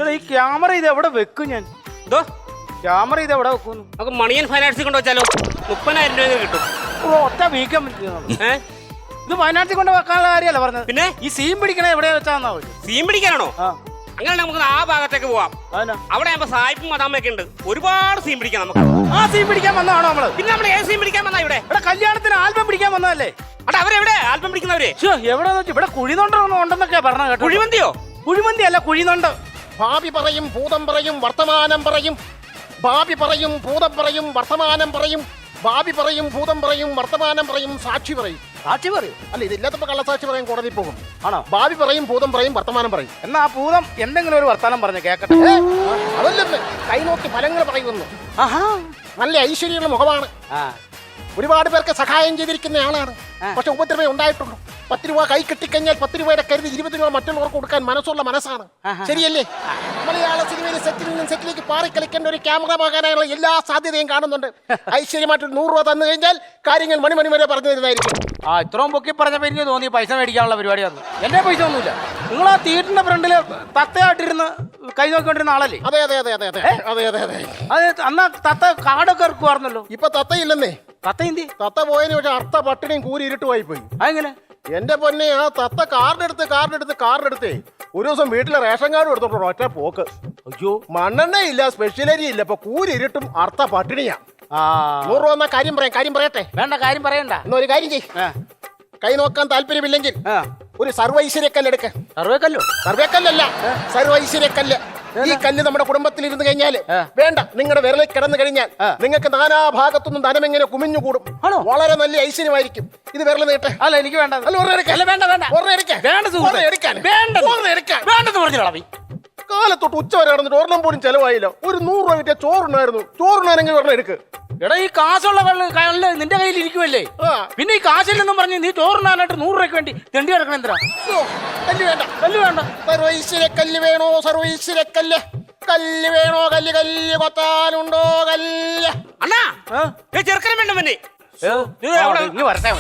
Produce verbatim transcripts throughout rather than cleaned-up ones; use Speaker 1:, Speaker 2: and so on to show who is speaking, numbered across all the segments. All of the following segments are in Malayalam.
Speaker 1: ഈ ക്യാമറ ഇത് എവിടെ വെക്കും ഞാൻ?
Speaker 2: എന്തോ
Speaker 1: ക്യാമറ ഇത് എവിടെ വെക്കുന്നു?
Speaker 2: നമുക്ക് മണിയൻ ഫൈനാൻസിൽ കൊണ്ട് വെച്ചാലോ? മുപ്പതിനായിരം രൂപ കിട്ടും.
Speaker 1: ഓ ഒറ്റ വീക്കാൻ
Speaker 2: ഏഹ്
Speaker 1: ഇത് വയനാട്ടിൽ കൊണ്ട് വെക്കാനുള്ള കാര്യമല്ല പറഞ്ഞത്.
Speaker 2: പിന്നെ
Speaker 1: ഈ സീൻ പിടിക്കണ എവിടെയാ വെച്ചാന്നാ?
Speaker 2: സീൻ പിടിക്കാനാണോ? അങ്ങനെ നമുക്ക് ആ ഭാഗത്തേക്ക് പോവാം. അവിടെ ആകുമ്പോ സായിപ്പും മദാമയൊക്കെ ഉണ്ട്. ഒരുപാട് സീൻ പിടിക്കാം നമുക്ക്.
Speaker 1: ആ സീൻ പിടിക്കാൻ വന്നതാണോ നമ്മള്?
Speaker 2: പിന്നെ നമ്മൾ ഏത് സീൻ പിടിക്കാൻ വന്നാ ഇവിടെ?
Speaker 1: ഇവിടെ കല്യാണത്തിന് ആൽബം പിടിക്കാൻ വന്നതല്ലേ?
Speaker 2: അവിടെ അവരെവിടെ ആൽബം പിടിക്കുന്നവര്?
Speaker 1: എവിടെ ഇവിടെ കുഴിനൊണ്ടൊന്നും ഉണ്ടെന്നൊക്കെ പറഞ്ഞ കേട്ടോ.
Speaker 2: കുഴിമന്തിയോ?
Speaker 1: കുഴിമന്തി അല്ല, കുഴിനൊണ്ട്.
Speaker 3: ഭാവി പറയും ഭൂതം പറയും വർത്തമാനം പറയും. ഭാവി പറയും ഭൂതം പറയും വർത്തമാനം പറയും. ഭാവി പറയും ഭൂതം പറയും വർത്തമാനം പറയും സാക്ഷി പറയും.
Speaker 1: സാക്ഷി പറയും?
Speaker 3: അല്ല, ഇതില്ലാത്തപ്പോ കള്ളസാക്ഷി പറയും, കോടതി പോകും.
Speaker 1: ആണോ?
Speaker 3: ഭാവി പറയും ഭൂതം പറയും വർത്തമാനം പറയും.
Speaker 1: എന്നാ ആ ഭൂതം എന്തെങ്കിലും ഒരു വർത്തമാനം പറഞ്ഞു കേക്കട്ടെ.
Speaker 3: അതല്ലെന്ന് കൈനോക്കി ഫലങ്ങൾ പറയുന്നു. നല്ല ഐശ്വര്യമുള്ള മുഖമാണ്. ഒരുപാട് പേർക്ക് സഹായം ചെയ്തിരിക്കുന്ന ആളാണ്. പക്ഷെ ഉപദ്രവം ഉണ്ടായിട്ടുള്ളൂ. പത്ത് രൂപ കൈ കെട്ടിക്കഴിഞ്ഞാൽ പത്ത് രൂപയുടെ കരുതി ഇരുപത് രൂപ മറ്റുള്ളവർക്ക് കൊടുക്കാൻ മനസ്സുള്ള മനസ്സാണ്. ശരിയല്ലേ? മലയാള സിനിമയിൽ സെറ്റിൽ നിന്നും സെറ്റിലേക്ക് പാറിക്കളിക്കേണ്ട ഒരു ക്യാമറമാകാനുള്ള എല്ലാ സാധ്യതയും കാണുന്നുണ്ട്. ഐശ്വര്യമായിട്ടൊരു നൂറ് രൂപ തന്നു കഴിഞ്ഞാൽ കാര്യങ്ങൾ മണിമണി വരെ പറഞ്ഞു തരുന്നതായിരിക്കും.
Speaker 1: ആ ഇത്രയും പൊക്കി പറഞ്ഞപ്പോ എനിക്ക് തോന്നി പൈസ മേടിക്കാനുള്ള പരിപാടി വന്നു. എന്റെ പൈസ ഒന്നുമില്ല. നിങ്ങൾ ആ തിയേറ്ററിന്റെ ഫ്രണ്ടില് തത്തയായിട്ടിരുന്ന് കൈ നോക്കിക്കൊണ്ടിരുന്ന ആളല്ലേ?
Speaker 3: അതെ അതെ അതെ അതെ അതെ അതെ അതെ അതെ
Speaker 1: അത് അന്നാ തത്ത കാടൊക്കെ ഇറക്കുവായിരുന്നല്ലോ.
Speaker 3: ഇപ്പൊ തത്തയില്ലെന്നേ.
Speaker 1: തത്ത എന്തി?
Speaker 3: തത്ത പോയതിന് പക്ഷെ അർത്ഥ പട്ടിണിയും കൂരി ഇരുട്ടുമായി പോയി.
Speaker 1: അതെങ്ങനെ?
Speaker 3: എന്റെ പൊന്നെ, ആ തത്ത കാർഡെടുത്ത് കാർഡെടുത്ത് കാർഡെടുത്തേ ഒരു ദിവസം വീട്ടിലെ റേഷൻ കാർഡ് എടുത്തോട്ടോ ഒറ്റ പോക്ക്.
Speaker 1: അയ്യോ,
Speaker 3: മണ്ണെണ്ണ ഇല്ല, സ്പെഷ്യലരി ഇല്ല. ഇപ്പൊ കൂരി ഇരുട്ടും അർത്ഥ പട്ടിണിയാ. നൂറ് രൂപ എന്നാ കാര്യം പറയാം. കാര്യം പറയട്ടെ?
Speaker 1: വേണ്ട, കാര്യം പറയണ്ട.
Speaker 3: എന്നാ ഒരു കാര്യം ചെയ്യ്. കൈ നോക്കാൻ താല്പര്യമില്ലെങ്കിൽ ഒരു സർവൈശ്വര്യക്കല്ല് എടുക്ക.
Speaker 1: സർവേക്കല്ലോ?
Speaker 3: സർവേക്കല്ലല്ല, സർവൈശ്വര്യക്കല്ല്. ഈ കല്ല് നമ്മുടെ കുടുംബത്തിൽ ഇരുന്ന് കഴിഞ്ഞാൽ വേണ്ട, നിങ്ങളുടെ വിരലിൽ കിടന്നു കഴിഞ്ഞാൽ നിങ്ങൾക്ക് നാനാഭാഗത്തുനിന്നും ധനം എങ്ങനെ കുമിഞ്ഞുകൂടും. വളരെ നല്ല ഐശ്വര്യമായിരിക്കും. ഇത് വിരൽ നീട്ടെ.
Speaker 1: അല്ല, എനിക്ക് വേണ്ട.
Speaker 3: കാലത്തൊട്ട് ഉച്ച വരെ നടന്നിട്ട് ഒരെണ്ണം പോലും ചെലവായില്ല. ഒരു നൂറ് രൂപ കിട്ടിയ ചോറുണ്ടായിരുന്നു. ചോറുണ്ടാണെങ്കിൽ ഒരെണ്ണം എടുക്ക്.
Speaker 1: എടാ, ഈ കാശുള്ള കല്ല് നിന്റെ കയ്യിൽ ഇരിക്കുമല്ലേ? പിന്നെ ഈ കാശില്ലെന്നും പറഞ്ഞ് നീ ചോറുണ്ടാനായിട്ട് നൂറ് രൂപയ്ക്ക് വേണ്ടി തെണ്ടി കിടക്കണം. എന്തിനാ?
Speaker 3: കല്ല് വേണ്ട,
Speaker 1: കല്ല് വേണ്ട.
Speaker 3: സർവൈശ്വര്യക്കല്ല് വേണോ? സർവൈശ്വര്യക്കല്ല്. കല്ല് വേണോ? കല്ല് കല്ല് കൊത്താനുണ്ടോ? കല്ല്.
Speaker 2: അണ്ണാ, ചെറുക്കനും വേണ്ട. പിന്നെ
Speaker 1: ഇനി വരട്ടെ.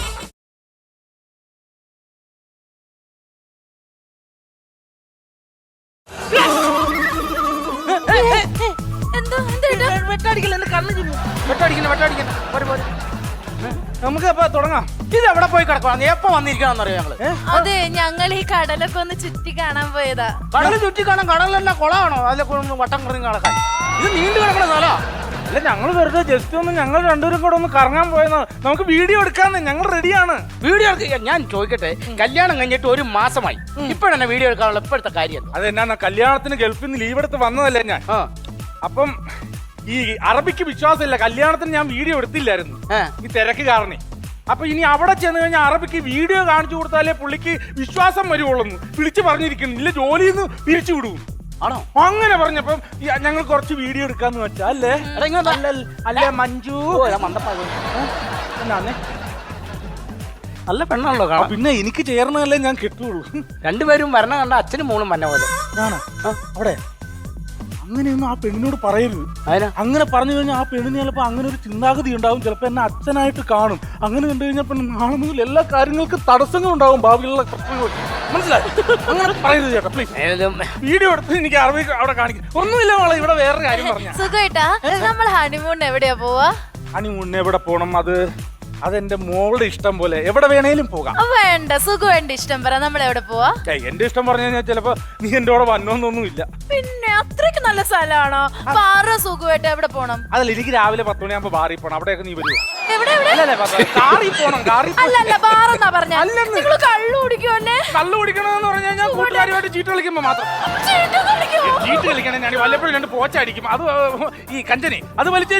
Speaker 1: നമുക്ക് അപ്പൊ തുടങ്ങാം. ഇത് എവിടെ പോയി കിടക്കണം? എപ്പോ വന്നിരിക്കണമെന്നറിയോ ഞങ്ങള്?
Speaker 4: അതെ, ഞങ്ങൾ ഈ കടലൊക്കെ ഒന്ന് ചുറ്റി കാണാൻ പോയതാ.
Speaker 1: കടല് ചുറ്റി കാണാൻ? കടലെല്ലാം കുളമാണോ? അതിലെ വട്ടം കറങ്ങി കിടക്കാൻ? ഇത് നീണ്ടു കിടക്കണ സ്ഥലോ?
Speaker 5: അല്ല, ഞങ്ങൾ വെറുതെ ജസ്റ്റ് ഒന്ന് ഞങ്ങൾ രണ്ടുപേരും കൂടെ ഒന്ന് കറങ്ങാൻ പോയെന്ന്. നമുക്ക് വീഡിയോ എടുക്കാന്ന്. ഞങ്ങൾ റെഡിയാണ്.
Speaker 1: വീഡിയോ എടുക്കാൻ ഞാൻ ചോദിക്കട്ടെ, കല്യാണം കഴിഞ്ഞിട്ട് ഒരു മാസമായി, ഇപ്പോഴെന്നെ വീഡിയോ എടുക്കാനുള്ള ഇപ്പോഴത്തെ കാര്യം?
Speaker 5: അതെന്നാ, കല്യാണത്തിന് ഗൾഫിൽ നിന്ന് ലീവ് എടുത്ത് വന്നതല്ലേ ഞാൻ. അപ്പം ഈ അറബിക്ക് വിശ്വാസമില്ല. കല്യാണത്തിന് ഞാൻ വീഡിയോ എടുത്തില്ലായിരുന്നു ഈ തിരക്ക് കാരണം. അപ്പൊ ഇനി അവിടെ ചെന്ന് കഴിഞ്ഞാൽ അറബിക്ക് വീഡിയോ കാണിച്ചു കൊടുത്താലേ പുള്ളിക്ക് വിശ്വാസം വരുവുള്ളൂ. വിളിച്ചു പറഞ്ഞിരിക്കുന്നു, ഇല്ല ജോലിയിൽ നിന്ന് പിരിച്ചു വിടും.
Speaker 1: ആണോ?
Speaker 5: അങ്ങനെ പറഞ്ഞപ്പം ഞങ്ങൾ കുറച്ച് വീഡിയോ എടുക്കാന്ന് വെച്ചാ. അല്ലേ അല്ലേ മഞ്ജു? എന്നാന്നേ,
Speaker 1: നല്ല പെണ്ണാണല്ലോ കാണാൻ.
Speaker 5: പിന്നെ എനിക്ക് ചേർന്നതല്ലേ ഞാൻ കിട്ടുള്ളൂ.
Speaker 1: രണ്ടുപേരും വരണ കണ്ട അച്ഛനും മോളും വന്ന പോലെ.
Speaker 5: ഞാനാ അവിടെ അങ്ങനെയൊന്നും ആ പെണ്ണിനോട് പറയരുത്. അങ്ങനെ പറഞ്ഞു കഴിഞ്ഞാൽ ആ പെണ്ണിന് ചിലപ്പോൾ അങ്ങനെ ഒരു ചിന്താഗതി ഉണ്ടാവും. ചിലപ്പോൾ എന്നെ അച്ഛനായിട്ട് കാണും. അങ്ങനെ കണ്ടു കഴിഞ്ഞാൽ പിന്നെ നാളെ മുതൽ എല്ലാ കാര്യങ്ങൾക്കും തടസ്സങ്ങൾ ഉണ്ടാവും, ഭാവിയിലുള്ള പ്രശ്നങ്ങൾ. മനസ്സിലായി? അങ്ങനെ പറയരുത് ചേട്ടാ, പ്ലീസ്. വീഡിയോ എടുത്ത് എനിക്ക് അറബി അവിടെ കാണിക്കും. ഒന്നുമില്ല മോളെ, ഇവിടെ വേറൊരു കാര്യം പറഞ്ഞാ.
Speaker 4: സുഖേട്ടാ, നമ്മൾ ഹണിമൂൺ എവിടെയാ പോവാ?
Speaker 5: ഹണിമൂൺ എവിടെ പോണം? അത് അതെന്റെ മോളുടെ ഇഷ്ടം പോലെ എവിടെ വേണേലും പോകാം.
Speaker 4: വേണ്ട, സുഖം ഇഷ്ടം പറ. നമ്മൾ എവിടെ പോവാ?
Speaker 5: എന്റെ ഇഷ്ടം പറഞ്ഞു കഴിഞ്ഞാൽ ചിലപ്പോ നീ എന്റെ കൂടെ വന്നോന്നൊന്നും ഇല്ല.
Speaker 4: പിന്നെ അത്രയ്ക്ക് നല്ല സ്ഥലമാണോ? പാറ സുഖമായിട്ട് എവിടെ പോണം?
Speaker 5: അതല്ല, എനിക്ക് രാവിലെ പത്ത് മണിയാകുമ്പോ ബാറിൽ പോണം. അവിടെയൊക്കെ നീ വരുമോ?
Speaker 1: കാറിൽ പോണം. കാറിൽ
Speaker 4: അല്ലല്ല, ബാറെന്നാ പറഞ്ഞ. നിങ്ങൾ കള്ളു കുടിക്കുമല്ലേ?
Speaker 5: കള്ളു കുടിക്കണമെന്ന് പറഞ്ഞു കഴിഞ്ഞാൽ കൂട്ടുകാരുമായിട്ട് ചീട്ട് കളിക്കുമ്പോ മാത്രം. ചീട്ട് കളിക്കണേ ഞാൻ വല്ലപ്പോഴും രണ്ട് പോച്ചടിക്കും. അത് ഈ കഞ്ചനെ അത് വലിച്ചു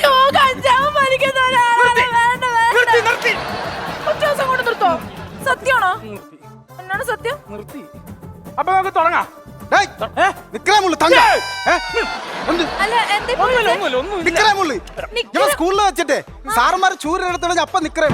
Speaker 4: സത്യമാണോ? എന്നാണ് സത്യം?
Speaker 5: നിർത്തി. അപ്പൊ നമുക്ക് തുടങ്ങാം.
Speaker 6: സ്കൂളിൽ വെച്ചിട്ട് സാറന്മാര് ചൂരെടുത്തോളൂ അപ്പൊ നിക്കറേ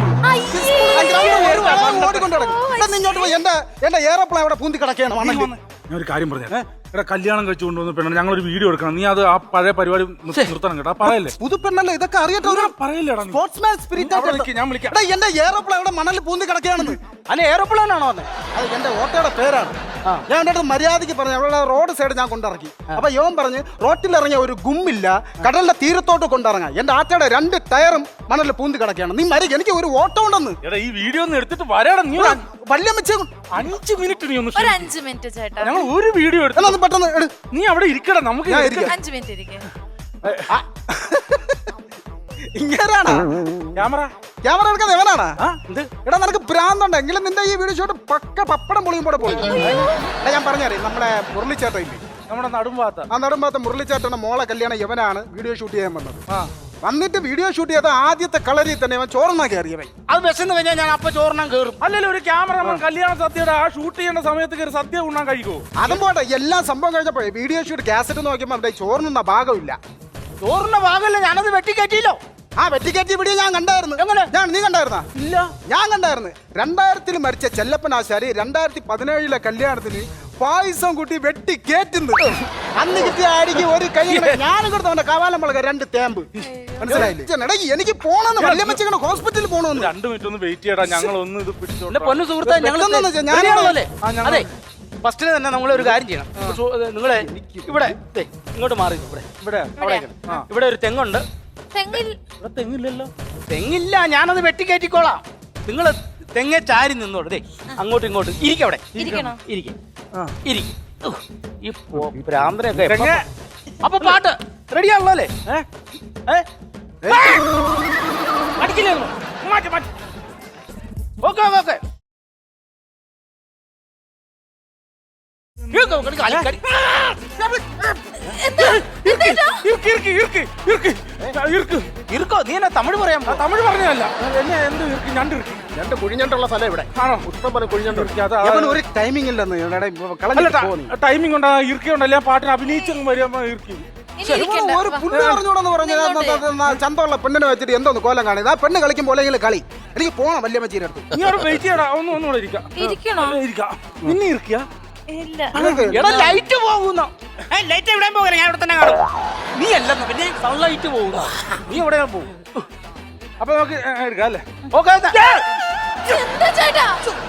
Speaker 6: ഇങ്ങോട്ട് പോയി. എന്റെ എന്റെ ഏറോപ്ലെയിൻ അവിടെ പൂന്തി കിടക്കുകയാണ്.
Speaker 5: ഞാൻ ഒരു കാര്യം പറഞ്ഞു, എടാ കല്യാണം കഴിച്ചു കൊണ്ടുവന്ന പെണ്ണ ഞങ്ങളൊരു വീഡിയോ എടുക്കണം. നീ അത് ആ പഴയ പരിപാടി നിർത്തണം കേട്ടോ. പറയല്ലേ?
Speaker 6: പുതുപ്പെണ്ണല്ലേ ഇതൊക്കെ അറിയട്ടോ?
Speaker 5: പറയല്ലേടാ,
Speaker 6: സ്പോർട്സ്മാൻ സ്പിരിറ്റ്.
Speaker 5: ഞാൻ വിളിക്കാം.
Speaker 6: എന്റെ ഏറോപ്ലെയിൻ അവിടെ മണലിൽ പൂന്തി കിടക്കുകയാണെന്ന്.
Speaker 1: അല്ലെ ഏറോപ്ലെയിൻ ആണോ?
Speaker 6: അത് എന്റെ ഓട്ടോയുടെ പേരാണ്. ഞാൻ എൻ്റെ അടുത്ത് മര്യാദയ്ക്ക് പറഞ്ഞു അവിടെ റോഡ് സൈഡ് ഞാൻ കൊണ്ടിറക്കി അപ്പൊ യോൻ പറഞ്ഞ് റോട്ടിലിറങ്ങിയ ഒരു ഗുമ്മില്ല കടലിന്റെ തീരത്തോട്ട് കൊണ്ടിറങ്ങാം എന്റെ ആറ്റയുടെ രണ്ട് ടയറും മണലിൽ പൂന്തി കിടക്കുകയാണ് നീ മരി എനിക്ക് ഒരു ഓട്ടം ഉണ്ടെന്ന്.
Speaker 5: എടാ ഈ വീഡിയോ ഒന്ന് എടുത്തിട്ട് വരാടാ നീ.
Speaker 6: വല്യമ്മച്ച
Speaker 5: അഞ്ച് മിനിറ്റ് നീ ഒന്ന്
Speaker 4: ഒരു അഞ്ച് മിനിറ്റ് ചേട്ടാ,
Speaker 5: ഞങ്ങൾ ഒരു വീഡിയോ എടുത്തു.
Speaker 6: എന്നാ പെട്ടെന്ന് എടു.
Speaker 5: നീ അവിടെ ഇരിക്കടാ, നമുക്ക്
Speaker 6: ഞാൻ
Speaker 5: ഇരിക്കാം.
Speaker 4: അഞ്ച് മിനിറ്റ് ഇരിക്കേ.
Speaker 6: ഇങ്ങനാണ്
Speaker 5: ക്യാമറ
Speaker 6: ക്യാമറ എടുക്കാൻ എവനാണ്
Speaker 5: ആ എന്ത്
Speaker 6: എടാ നിനക്ക് ഭ്രാന്തുണ്ടെങ്കിലും നിന്റെ ഈ വീഡിയോ ഷോട്ട് പക്ക പപ്പടം പൊളിയും പോലെ പോയി. എടാ ഞാൻ പറഞ്ഞറിയാം നമ്മളെ മുരളിച്ചേട്ട ഇല്ലേ
Speaker 5: നമ്മുടെ നടുംഭാഗത്ത
Speaker 6: ആ നടുമ്പാത്ത മുരളിച്ചേട്ടന്റെ മോളെ കല്യാണം യവനാണ് വീഡിയോ ഷൂട്ട് ചെയ്യാൻ വന്നത്. വന്നിട്ട് വീഡിയോ ഷൂട്ട് ചെയ്ത ആദ്യത്തെ കളരിൽ തന്നെ അവൻ ചോറന്നാ കയറിയവൻ.
Speaker 1: അത് ബസ്സെന്ന് കഴിഞ്ഞാൽ ഞാൻ അപ്പൊ ചോറിനാൻ കയറും.
Speaker 5: അല്ലല്ലോ ഒരു ക്യാമറമാൻ കല്യാണ സദ്യയുടെ ആ ഷൂട്ട് ചെയ്യേണ്ട സമയത്ത് കയറി സദ്യ ഉണ്ണാൻ കഴിയുമോ?
Speaker 6: അതും പോട്ടെ എല്ലാം സംഭവം കഴിഞ്ഞപ്പോഴേ വീഡിയോ ഷൂട്ട് കാസറ്റ് നോക്കിയപ്പോൾ അവിടെ ചോറിനുള്ള ഭാഗമില്ല.
Speaker 1: ചോറിന്റെ ഭാഗമല്ല, ഞാനത് വെട്ടിക്കയറ്റിയില്ലോ.
Speaker 6: ആ വെറ്റിക്കറ്റി വീഡിയോ ഞാൻ കണ്ടായിരുന്നു.
Speaker 1: എങ്ങനെ?
Speaker 6: ഞാൻ നീ കണ്ടായിരുന്നാ?
Speaker 5: ഇല്ല.
Speaker 6: ഞാൻ കണ്ടായിരുന്നു. രണ്ടായിരത്തിൽ മരിച്ച ചെല്ലപ്പനാശാരി രണ്ടായിരത്തി പതിനേഴിലെ കല്യാണത്തിന് പായസം കൂട്ടി വെട്ടി കേറ്റുന്നു. അന്ന് കിട്ടിയ ആടിക്ക് ഒരു കൈ ഞാനും കൊടുത്ത അവന്റെ കവാലം മുളക രണ്ട് തേമ്പ്. മനസ്സിലായില്ലേ? എടാ, എനിക്ക് പോണെന്ന് വല്യമ്മച്ചങ്ങനെ ഹോസ്പിറ്റലിൽ പോണെന്ന്.
Speaker 5: രണ്ടു മിനിറ്റ് ഒന്ന് വെയിറ്റ് ചെയ്യടാ, ഞങ്ങൾ ഒന്ന് ഇത് പിടിച്ചോ.
Speaker 1: എന്റെ പൊന്നു സുഹൃത്തെ,
Speaker 6: പെട്ടെന്ന് വെച്ചാ ഞാൻ-
Speaker 1: ഞങ്ങളല്ലേ
Speaker 5: ആ, ഞങ്ങൾ-
Speaker 1: അതെ ഫസ്റ്റില് തന്നെ നമ്മളൊരു കാര്യം ചെയ്യണം. നിങ്ങളെ ഇവിടെ ദേ, ഇങ്ങോട്ട് മാറി ഇവിടെ
Speaker 5: ഇവിടെ
Speaker 1: അവിടെ ഇവിടെ ഒരു തെങ്ങുണ്ട്.
Speaker 4: തെങ്ങിൽ
Speaker 5: ഇവിടെ തെങ്ങില്ലല്ലോ.
Speaker 1: തെങ്ങില്ല, ഞാനത് വെട്ടിക്കയറ്റിക്കോളാം. നിങ്ങൾ തെങ്ങെ ചാരി നിന്നോട്. ദേ അങ്ങോട്ടും ഇങ്ങോട്ടും ഇരിക്കവിടെ
Speaker 4: ഇരിക്കണോ?
Speaker 1: ഇരിക്കും
Speaker 5: ആ.
Speaker 1: ഇരിക്കും. ഈ ഭ്രാന്തരൊക്കെ
Speaker 5: തെങ്ങ്.
Speaker 1: അപ്പൊ പാട്ട് റെഡിയാണല്ലോ അല്ലേ?
Speaker 5: ഏ?
Speaker 1: ഏ? അടിക്കില്ലേ ഒന്നും?
Speaker 5: മാറ്റി മാറ്റി.
Speaker 1: ഓക്കെ ഓക്കെ
Speaker 5: ഇർക്ക്, ഇർക്ക്, ഇർക്ക്, ഇർക്ക്. ആ, ഇർക്ക്.
Speaker 1: ഇരിക്കോ, നീ എന്നാ തമിഴ് പറയാൻ
Speaker 5: ആ, തമിഴ് പറഞ്ഞതല്ല. എന്നെ എന്ത് ഇർക്ക്? ഞണ്ട് ഇർക്ക്.
Speaker 3: രണ്ട് കുഴിഞ്ഞണ്ടുള്ള സ്ഥലം ഇവിടെ.
Speaker 5: ആണോ?
Speaker 3: ഇഷ്ടം പോലെ കുഴിഞ്ഞണ്ട്.
Speaker 5: ഇർക്ക്. അതാ-
Speaker 6: അവൻ ഒരു ടൈമിംഗ് ഇല്ലെന്ന് എടാ,
Speaker 5: അല്ല,
Speaker 6: കളഞ്ഞിട്ട്
Speaker 5: ട-
Speaker 6: പോന്നു.
Speaker 5: ടൈമിംഗ് ഉണ്ടാ ഇരിക്കുണ്ടല്ലേ ആ പാട്ടിന് അഭിനയിച്ചങ്ങ് വരുമ്പോ ഇരിക്കും.
Speaker 4: ഇനി ഇരിക്കണ്ട.
Speaker 6: ഒരു പുല്ല് പറഞ്ഞൂടെന്ന് പറഞ്ഞു ചന്തമുള്ള പെണ്ണിനെ വെച്ചിട്ട് എന്തോന്ന് കോലം കാണിയത്. ആ പെണ്ണ് കളിക്കുമ്പോൾ കളി എനിക്ക് പോണം വല്യമ്മച്ചീരെ അടുത്ത്.
Speaker 5: നീ അവിടെ വെയിറ്റ് ചെയ്യടാ, ഒന്ന് ഒന്നുകൂടെ ഇരിക്കാം.
Speaker 4: ഇരിക്കണോ?
Speaker 5: അല്ല, ഇരിക്കാം. നിന്നെ ഇരിക്കുക.
Speaker 4: ഇല്ല.
Speaker 1: എടാ ലൈറ്റ് പോകുന്നു.
Speaker 2: ലൈറ്റ് എവിടെ പോകല, ഞാൻ ഇവിടെ തന്നെ കാണും.
Speaker 1: നീ അല്ലെന്ന് പിന്നെ സൺലൈറ്റ് പോകുന്നു. നീ എവിടെ പോകും?
Speaker 5: അപ്പൊ നമുക്ക് ഏ, എടുക്കാം അല്ലേ?
Speaker 1: ഓക്കെ
Speaker 4: എന്താ ചേട്ടാ?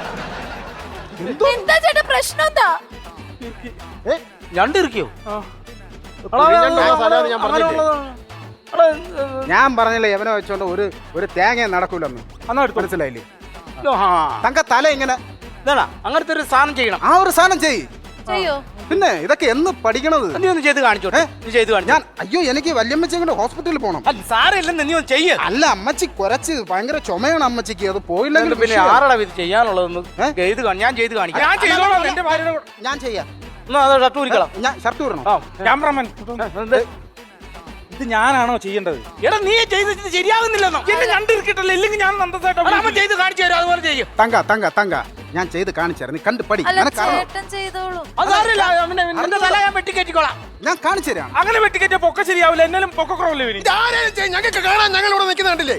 Speaker 4: എന്താ ചേട്ടാ പ്രശ്നം എന്താ?
Speaker 1: രണ്ടിരിക്കോ?
Speaker 3: കുഴിഞ്ഞണ്ടുള്ള സ്ഥലമാണ് ഞാൻ പറഞ്ഞില്ലേ.
Speaker 6: ഞാൻ പറഞ്ഞില്ലേ യവനെ വെച്ചോണ്ട് ഒരു ഒരു തേങ്ങ നടക്കൂലെന്ന്.
Speaker 5: എന്നാ എടുത്തു.
Speaker 6: മനസ്സിലായില്ലേ? തങ്ക തല ഇങ്ങനെ
Speaker 1: ഇതാടാ അങ്ങനത്തെ ഒരു സാധനം ചെയ്യണം.
Speaker 6: ആ ഒരു സാധനം ചെയ്യ്.
Speaker 4: ചെയ്യോ?
Speaker 6: പിന്നെ ഇതൊക്കെ എന്ന് പഠിക്കണത്?
Speaker 1: നീ ഒന്ന് ചെയ്ത് കാണിച്ചോട്ടെ. നീ ചെയ്ത് കാണിച്ചു.
Speaker 6: ഞാൻ അയ്യോ എനിക്ക് വല്യമ്മച്ചി കൊണ്ട് ഹോസ്പിറ്റലിൽ പോകണം.
Speaker 1: സാരമില്ലെന്ന് നീ ഒന്ന് ചെയ്യ.
Speaker 6: അല്ല അമ്മച്ചി കുറച്ച് ഭയങ്കര ചുമയാണ് അമ്മച്ചിക്ക്. അത് പോയില്ലെങ്കിൽ
Speaker 1: പിന്നെ
Speaker 6: വിഷയമാണ്.
Speaker 1: ആറടാ ഇത് ചെയ്യാനുള്ളതൊന്ന് ചെയ്ത് കാണി. ഞാൻ ചെയ്ത് കാണിക്കാം.
Speaker 5: ഞാൻ ചെയ്തോളാം എന്റെ ഭാര്യയുടെ കൂടെ.
Speaker 6: ഞാൻ ചെയ്യാം.
Speaker 1: എന്നാ അത് ഷർട്ട് ഊരിക്കളാം.
Speaker 6: ഞാൻ ഷർട്ട് വിടണം.
Speaker 1: ആ
Speaker 5: ക്യാമറമാൻ ഇത് ഞാനാണോ ചെയ്യേണ്ടത്?
Speaker 1: എടാ നീ ചെയ്തിട്ട് ശരിയാകുന്നില്ലെന്നോ?
Speaker 5: എന്നെ കണ്ടിരിക്കട്ടല്ലേ, ഇല്ലെങ്കിൽ ഞാൻ നന്ദസായിട്ട്
Speaker 1: അമ്മ ചെയ്ത് കാണിച്ചു തരും. അതുപോലെ ചെയ്യും.
Speaker 6: തങ്ക തങ്ക തങ്ക ഞാൻ ചെയ്ത് കാണിച്ചു നീ കണ്ട് പഠി.
Speaker 4: അല്ല
Speaker 6: നിനക്ക് അറിയാം.
Speaker 4: ചേട്ടൻ ചെയ്തോളൂ.
Speaker 1: അത് സാരമില്ല. പിന്നെ നിന്റെ തല ഞാൻ വെട്ടിക്കയറ്റിക്കോളാം.
Speaker 6: ഞാൻ കാണിച്ചു തരാം.
Speaker 5: അങ്ങനെ വെട്ടിക്കറ്റിയ പൊക്ക ശരിയാവില്ല. എന്നാലും പൊക്കക്കുറവല്ലേ വരും.
Speaker 3: ഞങ്ങൾക്ക് കാണാൻ ഞങ്ങൾ ഇവിടെ നിൽക്കുന്ന കണ്ടില്ലേ?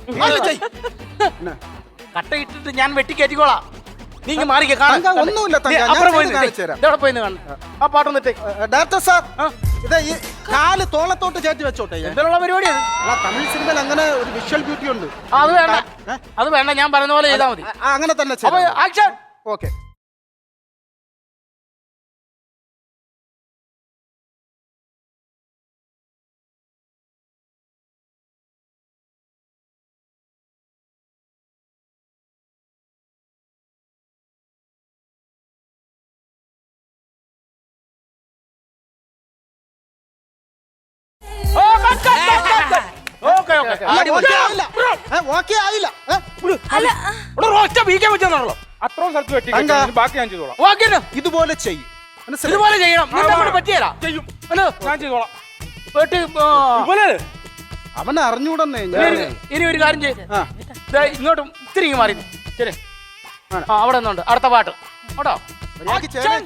Speaker 1: കട്ട ഇട്ടിട്ട് ഞാൻ വെട്ടിക്കയറ്റിക്കോളാം. നീ ഇങ്ങ് മാറിക്ക കാണാം.
Speaker 6: തങ്ക, ഒന്നുമില്ല തങ്ക, ഞാൻ ചെയ്ത് കാണിച്ചു തരാം.
Speaker 1: ഇതവിടെ പോയി കാണും. ആ പാട്ടൊന്നിട്ടേ.
Speaker 6: ഡയറക്ടർ സാർ ഇത് ഈ കാല് തോളത്തോട്ട് ചേർത്ത് വെച്ചോട്ടെ. ഞാൻ.
Speaker 1: എന്തിനുള്ള പരിപാടിയാണ്?
Speaker 6: ആ തമിഴ് സിനിമയിൽ അങ്ങനെ ഒരു വിഷ്വൽ ബ്യൂട്ടി ഉണ്ട്.
Speaker 1: ആ, അത് വേണ്ട. അത് വേണ്ട. ഞാൻ പറയുന്ന പോലെ ചെയ്താൽ മതി.
Speaker 6: ആ, അങ്ങനെ തന്നെ
Speaker 1: അപ്പൊ
Speaker 6: ചെയ്യാം.
Speaker 1: ആക്ഷൻ.
Speaker 6: ഓക്കെ.
Speaker 1: ഓ, cut, cut, cut, cut, cut. Okay okay
Speaker 6: അല്ല, ഓക്കേ ആയില്ല. ഏ, ഓക്കേ ആയില്ല. ഏ,
Speaker 4: അല്ല
Speaker 1: ഇവിടെ ഒറ്റ വീക്കാൻ പറ്റുന്നുള്ളൂ.
Speaker 5: അത്രയും സ്ഥലത്ത് വെട്ടി
Speaker 6: തങ്ക.
Speaker 5: ബാക്കി ഞാൻ ചെയ്തോളാം.
Speaker 1: ഓക്കെ
Speaker 6: ഇതുപോലെ ചെയ്യും. മനസ്സിലായോ?
Speaker 1: ഇതുപോലെ ചെയ്യണം. നിന്നെ കൊണ്ട് പറ്റിയല്ല.
Speaker 5: ചെയ്യും.
Speaker 1: ഹലോ
Speaker 5: ഞാൻ ചെയ്തോളാം.
Speaker 1: വെട്ടി. ആ.
Speaker 5: ഇതുപോലെ
Speaker 6: അവനെ അറിഞ്ഞൂടെന്നേ
Speaker 1: ഇനി
Speaker 6: ഞാൻ.
Speaker 1: ഒരു- ഇനി ഒരു കാര്യം ചെയ്യും.
Speaker 6: ആ,
Speaker 1: ഇങ്ങോട്ടും ഇത്തിരി ഇങ്ങ് മാറി. ശരി. ആ അവിടെ നിന്നുണ്ട് അടുത്ത പാട്ട് കേട്ടോ.
Speaker 6: മര്യാദയ്ക്ക് ചെയ്യണേ.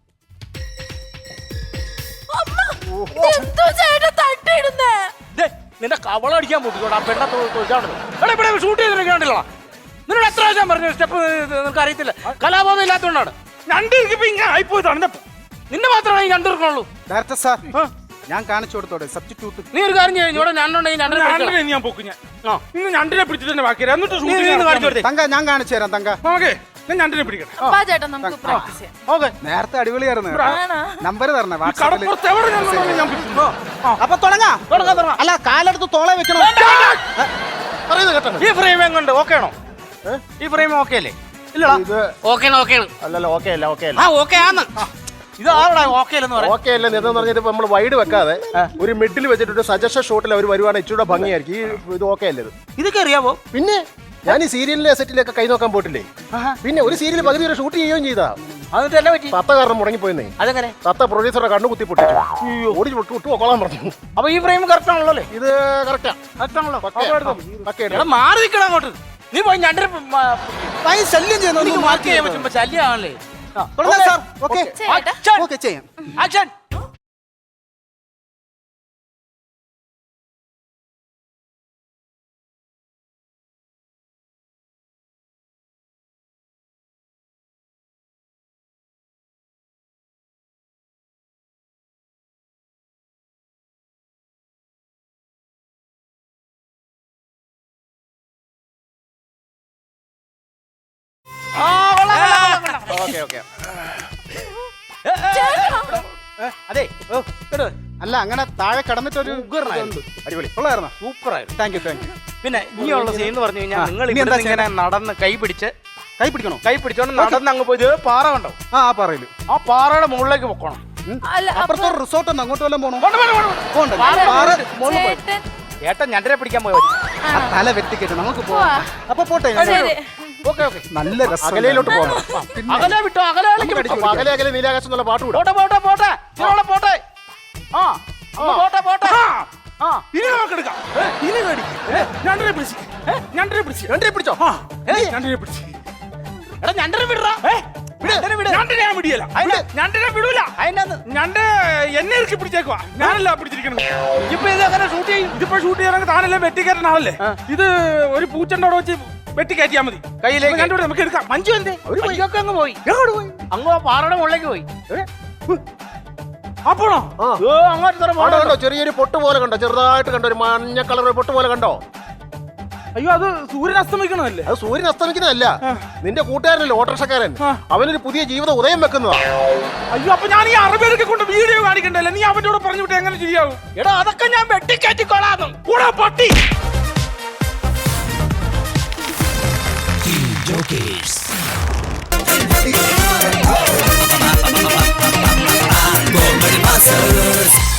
Speaker 4: എന്തോ ചേട്ടാ തട്ടിയിടുന്നേ?
Speaker 1: ദേ, നിന്റെ കവളടിക്കാൻ പൊട്ടിക്കോട്ടെ. ആ പെണ്ണ തൊഴിലാണത്. ഇവിടെ ഷൂട്ട് ചെയ്തിട്ടുണ്ടല്ലോ. നിന്നോട് എത്ര പ്രാവശ്യം പറഞ്ഞു സ്റ്റെപ്പ് നിനക്ക് അറിയത്തില്ല. കലാബോധം ഇല്ലാത്തതുകൊണ്ടാണ്.
Speaker 5: ഞണ്ട് ഇരിക്കുമ്പോ ഇങ്ങനെ ആയിപ്പോയതാണ്.
Speaker 1: നിന്നെ മാത്രമേ ഈ കണ്ടിരിക്കണുള്ളൂ.
Speaker 6: ഡയറക്ടർ സാർ ഞാൻ കാണിച്ചു കൊടുത്തോടെ സബ്സ്റ്റിറ്റ്യൂട്ട്.
Speaker 1: നീ ഒരു കാര്യം ചെയ്യും ഇവിടെ രണ്ടുണ്ടെങ്കിൽ രണ്ടര
Speaker 5: രണ്ടിനെ ഞാൻ പൊക്കും ഞാൻ
Speaker 1: ആ.
Speaker 5: ഇന്ന് ഞണ്ടിനെ പിടിച്ചിട്ട് തന്നെ ബാക്കി എന്നിട്ട്
Speaker 1: നീ നീ ഒന്ന് കാണിച്ചു കൊടുത്തേ
Speaker 6: തങ്ക ഞാൻ കാണിച്ചു തരാം തങ്ക.
Speaker 5: ഓക്കെ ഞാൻ ഞണ്ടിനെ പിടിക്കട്ടെ.
Speaker 4: വാ ചേട്ടാ നമുക്ക് പ്രാക്ടീസ് ചെയ്യാം.
Speaker 1: ഓക്കെ
Speaker 6: നേരത്തെ അടിപൊളിയായിരുന്നു.
Speaker 4: ആണോ?
Speaker 6: നമ്പർ തരണേ വാട്സാപ്പിൽ.
Speaker 5: കടപ്പുറത്ത് എവിടെ ഞാൻ കൊണ്ടുവന്ന് ഞാൻ പിടിച്ചു.
Speaker 6: അപ്പൊ തുടങ്ങാ.
Speaker 1: തുടങ്ങാം തുടങ്ങാം.
Speaker 3: അല്ല കാലെടുത്ത് തോളെ വെക്കണം. പറയുന്നത് കേട്ടോ.
Speaker 1: ഈ ഫ്രെയിം എങ്ങുണ്ട് ഓക്കെ ആണോ? ഈ ഫ്രെയിം ഓക്കെ അല്ലേ? ഇല്ലടാ
Speaker 3: ഇത്
Speaker 2: ഓക്കെയാണ് ഓക്കെയാണ്
Speaker 3: അല്ലല്ലോ ഓക്കെ അല്ല ഓക്കെ അല്ല
Speaker 2: ആ ഓക്കെ ആന്ന്
Speaker 1: ഇത് ആരുടെ ഓക്കെ അല്ലെന്ന് പറയാം.
Speaker 3: ഓക്കെ അല്ല എന്ന് പറഞ്ഞിട്ട് നമ്മൾ വൈഡ് വെക്കാതെ ഒരു മിഡിൽ വെച്ചിട്ട് സജഷൻ ഷോട്ടിൽ അവർ വരുവാണെങ്കിൽ ഇച്ചിരി ഭംഗിയായിരിക്കും. ഈ ഇത് ഓക്കെ അല്ലത്.
Speaker 1: ഇതൊക്കെ അറിയാവോ?
Speaker 3: പിന്നെ ഞാൻ ഈ സീരിയലിലെ സെറ്റിലൊക്കെ കൈ നോക്കാൻ പോയിട്ടില്ലേ. പിന്നെ ഒരു സീരിയൽ പകുതി വരെ ഷൂട്ട് ചെയ്യുകയും ചെയ്താ.
Speaker 1: എന്നിട്ട് എന്നെ പറ്റി
Speaker 3: തത്ത കാരണം മുടങ്ങിപ്പോയെന്നേ.
Speaker 1: അതെങ്ങനെ?
Speaker 3: തത്ത പ്രൊഡ്യൂസറുടെ കണ്ണു കുത്തി പൊട്ടിച്ചു. ഓടി വിട്ടു വിട്ടു കൊള്ളാൻ പറഞ്ഞു.
Speaker 1: അപ്പൊ ഈ ഫ്രെയിം കറക്റ്റ് ആണല്ലോ അല്ലേ?
Speaker 3: ഇത് കറക്റ്റാ.
Speaker 1: കറക്റ്റ് ആണല്ലോ.
Speaker 3: ഓക്കെ
Speaker 1: എടാ മാറി നിൽക്കണം അങ്ങോട്ട്. നീ പോയി ഞണ്ടര
Speaker 6: ഭയ ശല്യം ചെയ്യുന്നു.
Speaker 1: മാർക്ക് ചെയ്യാൻ പറ്റുമ്പോ ശല്യമാണല്ലേ?
Speaker 6: തുടങ്ങാം സാർ. ഓക്കെ
Speaker 4: ചേട്ടാ
Speaker 6: ഓക്കെ ചെയ്യാം.
Speaker 1: ആക്ഷൻ. ആ കൊള്ളാം കൊള്ളാം കൊള്ളാം.
Speaker 3: Okay okay.
Speaker 1: അതെ ഓ കേട്ടോ
Speaker 6: അല്ല അങ്ങനെ താഴെ കടന്നിട്ടൊരു
Speaker 1: ഉഗ്രനായിരുന്നു.
Speaker 6: അടിപൊളി കൊള്ളായിരുന്നോ?
Speaker 1: സൂപ്പറായിരുന്നു.
Speaker 6: Thank you thank you.
Speaker 1: പിന്നെ ഇനിയുള്ള സീൻ എന്ന് പറഞ്ഞു കഴിഞ്ഞാൽ
Speaker 6: ആ,
Speaker 1: നിങ്ങൾ
Speaker 6: ഇനി എന്താ
Speaker 1: ഇവിടെ ഇങ്ങനെ നടന്ന് കൈ പിടിച്ച്
Speaker 6: കൈ പിടിക്കണോ?
Speaker 1: കൈ പിടിച്ചോണ്ട് നടന്ന് അങ്ങ് പോയി ഇത് പാറ കണ്ടോ?
Speaker 6: ആ ആ പറയല്.
Speaker 1: ആ പാറയുടെ മുകളിലേക്ക് പൊക്കണം.
Speaker 4: അല്ല
Speaker 6: അപ്പുറത്തെ ഒരു റിസോർട്ട് ഉണ്ട്, അങ്ങോട്ട് വല്ലതും പോണോ?
Speaker 1: പോണ്ട, പോണ്ട, പോണ്ട, പോണ്ട.
Speaker 6: പോണ്ട.
Speaker 1: പാറ
Speaker 6: പാറ
Speaker 1: മുകളിൽ പോയി.
Speaker 4: ചേട്ടൻ
Speaker 1: ഏട്ടൻ ഞണ്ടരെ പിടിക്കാൻ പോയി.
Speaker 6: ആ തല വെട്ടിക്കെട്ട് നമുക്ക് പോവാം.
Speaker 4: പോവാ.
Speaker 6: അപ്പൊ പോട്ടെ.
Speaker 4: ശരി.
Speaker 1: Okay okay.
Speaker 6: നല്ല രസം.
Speaker 3: അകലയിലോട്ട് പോകണം.
Speaker 1: അകലെ വിട്ടോ അകലേക്ക് വിട്ടോ.
Speaker 3: അപ്പൊ അകലെ അകലെ നീലാകാശം എന്നുള്ള പാട്ട് വിടാം.
Speaker 1: പോട്ടെ പോട്ടെ പോട്ടെ ഇതിനോടെ പോട്ടെ. ആ അങ്ങ് പോട്ടെ പോട്ടെ. ആ
Speaker 5: ഇനി നമുക്ക് എടുക്കാം. ഇനി കടിക്കും. ഞണ്ടിനെ പിടിച്ച് ഞണ്ടിനെ പിടിച്ച്
Speaker 3: രണ്ടേ പിടിച്ചോ.
Speaker 5: ആ ഞണ്ടിനെ പിടിച്ച്
Speaker 1: എടാ ഞണ്ടരെ വിടറാ. ഞണ്ടരെ വിട്.
Speaker 5: ഞണ്ടിനെ ഞാൻ പിടിയല്ല.
Speaker 1: അതിന്
Speaker 5: ഞണ്ടിനെ വിടൂല.
Speaker 1: അതിനകത്ത്
Speaker 5: ഞണ്ട് എന്നെ ഇറക്കി പിടിച്ചേക്കുവാ. ഞാനല്ല പിടിച്ചിരിക്കണത്.
Speaker 1: ഇപ്പൊ ഇത് എങ്ങനെ ഷൂട്ട് ചെയ്യും?
Speaker 5: ഇതിപ്പോ ഷൂട്ട് ചെയ്യാനൊക്കെ താനല്ലേ വെട്ടിക്കയറ്റൻ ആളല്ലേ. ഇത് ഒരു പൂച്ചന്റെ അവിടെ വെച്ച് വെട്ടി കയറ്റിയാ മതി.
Speaker 1: കയ്യിലേക്ക്.
Speaker 5: അപ്പൊ രണ്ടുപേരും നമുക്ക് എടുക്കാം.
Speaker 1: മഞ്ജു എന്തേ? മഞ്ജുവൊക്കെ അങ്ങ് പോയി. അങ്ങ് ആ പാറയുടെ മുകളിലേക്ക് പോയി.
Speaker 5: അപ്പോണോ
Speaker 3: ആ
Speaker 1: ഓ അങ്ങോട്ട് ഇത്ര
Speaker 3: അവിടെ കണ്ടോ ചെറിയൊരു പൊട്ട് പോലെ കണ്ടോ, ചെറുതായിട്ട് കണ്ടോ, ഒരു മഞ്ഞ കളർ പൊട്ട് പോലെ കണ്ടോ.
Speaker 5: അയ്യോ അത് സൂര്യൻ അസ്തമിക്കണതല്ലേ.
Speaker 3: അത് സൂര്യൻ അസ്തമിക്കുന്നതല്ല, നിന്റെ കൂട്ടുകാരനല്ലേ ഓട്ടോറിക്ഷക്കാരൻ,
Speaker 5: ആ.
Speaker 3: അവനൊരു പുതിയ ജീവിതം ഉദയം വെക്കുന്നതാ.
Speaker 5: അയ്യോ അപ്പൊ ഞാൻ ഈ അറബിയൊക്കെ കൊണ്ട് വീഡിയോ കാണിക്കണ്ടല്ലേ. നീ അവന്റെ കൂടെ പറഞ്ഞു വിട്ട് എങ്ങനെ ചെയ്യാവും?
Speaker 1: എടാ അതൊക്കെ ഞാൻ വെട്ടിക്കയറ്റിക്കോളാന്ന്.
Speaker 5: കൂടാ പട്ടി.
Speaker 7: Comedy Masters.